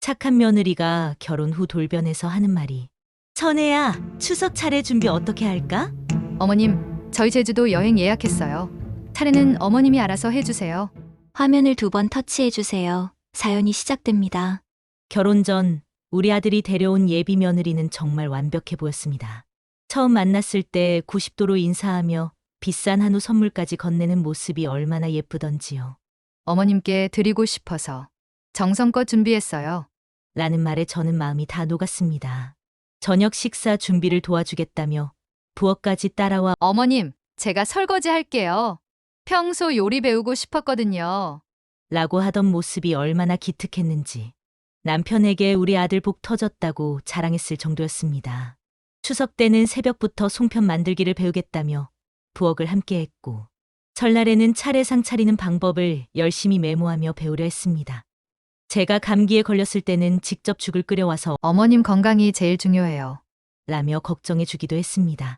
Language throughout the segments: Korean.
착한 며느리가 결혼 후 돌변해서 하는 말이 천혜야, 추석 차례 준비 어떻게 할까? 어머님, 저희 제주도 여행 예약했어요. 차례는 어머님이 알아서 해주세요. 화면을 2번 터치해 주세요. 사연이 시작됩니다. 결혼 전 우리 아들이 데려온 예비 며느리는 정말 완벽해 보였습니다. 처음 만났을 때 90도로 인사하며 비싼 한우 선물까지 건네는 모습이 얼마나 예쁘던지요. 어머님께 드리고 싶어서 정성껏 준비했어요. 라는 말에 저는 마음이 다 녹았습니다. 저녁 식사 준비를 도와주겠다며 부엌까지 따라와 어머님, 제가 설거지 할게요. 평소 요리 배우고 싶었거든요. 라고 하던 모습이 얼마나 기특했는지 남편에게 우리 아들 복 터졌다고 자랑했을 정도였습니다. 추석 때는 새벽부터 송편 만들기를 배우겠다며 부엌을 함께했고 설날에는 차례상 차리는 방법을 열심히 메모하며 배우려 했습니다. 제가 감기에 걸렸을 때는 직접 죽을 끓여와서 어머님 건강이 제일 중요해요. 라며 걱정해 주기도 했습니다.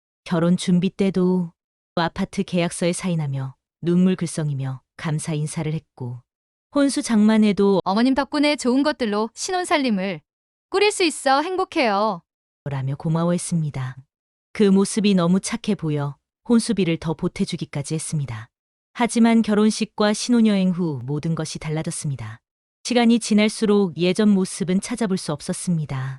결혼 준비 때도 아파트 계약서에 사인하며 눈물 글썽이며 감사 인사를 했고 혼수 장만에도 어머님 덕분에 좋은 것들로 신혼살림을 꾸릴 수 있어 행복해요. 라며 고마워했습니다. 그 모습이 너무 착해 보여 혼수비를 더 보태주기까지 했습니다. 하지만 결혼식과 신혼여행 후 모든 것이 달라졌습니다. 시간이 지날수록 예전 모습은 찾아볼 수 없었습니다.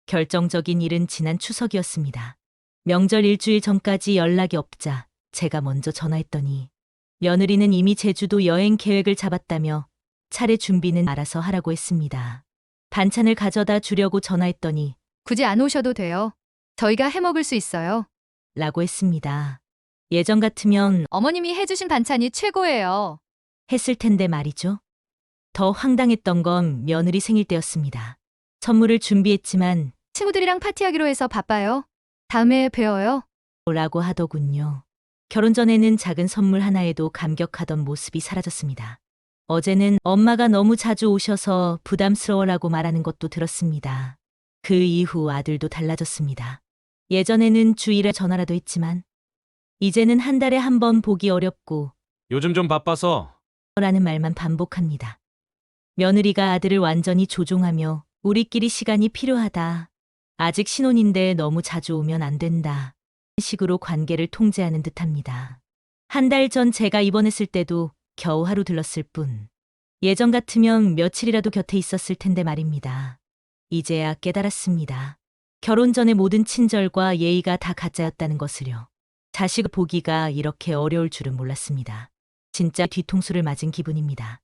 결정적인 일은 지난 추석이었습니다. 명절 일주일 전까지 연락이 없자 제가 먼저 전화했더니 며느리는 이미 제주도 여행 계획을 잡았다며 차례 준비는 알아서 하라고 했습니다. 반찬을 가져다 주려고 전화했더니 굳이 안 오셔도 돼요. 저희가 해먹을 수 있어요. 라고 했습니다. 예전 같으면 어머님이 해주신 반찬이 최고예요. 했을 텐데 말이죠. 더 황당했던 건 며느리 생일 때였습니다. 선물을 준비했지만 친구들이랑 파티하기로 해서 바빠요. 다음에 봬요. 라고 하더군요. 결혼 전에는 작은 선물 하나에도 감격하던 모습이 사라졌습니다. 어제는 엄마가 너무 자주 오셔서 부담스러워라고 말하는 것도 들었습니다. 그 이후 아들도 달라졌습니다. 예전에는 주일에 전화라도 했지만 이제는 한 달에 한 번 보기 어렵고 요즘 좀 바빠서. 라는 말만 반복합니다. 며느리가 아들을 완전히 조종하며 우리끼리 시간이 필요하다. 아직 신혼인데 너무 자주 오면 안 된다. 식으로 관계를 통제하는 듯합니다. 한 달 전 제가 입원했을 때도 겨우 하루 들렀을 뿐. 예전 같으면 며칠이라도 곁에 있었을 텐데 말입니다. 이제야 깨달았습니다. 결혼 전의 모든 친절과 예의가 다 가짜였다는 것을요. 자식 보기가 이렇게 어려울 줄은 몰랐습니다. 진짜 뒤통수를 맞은 기분입니다.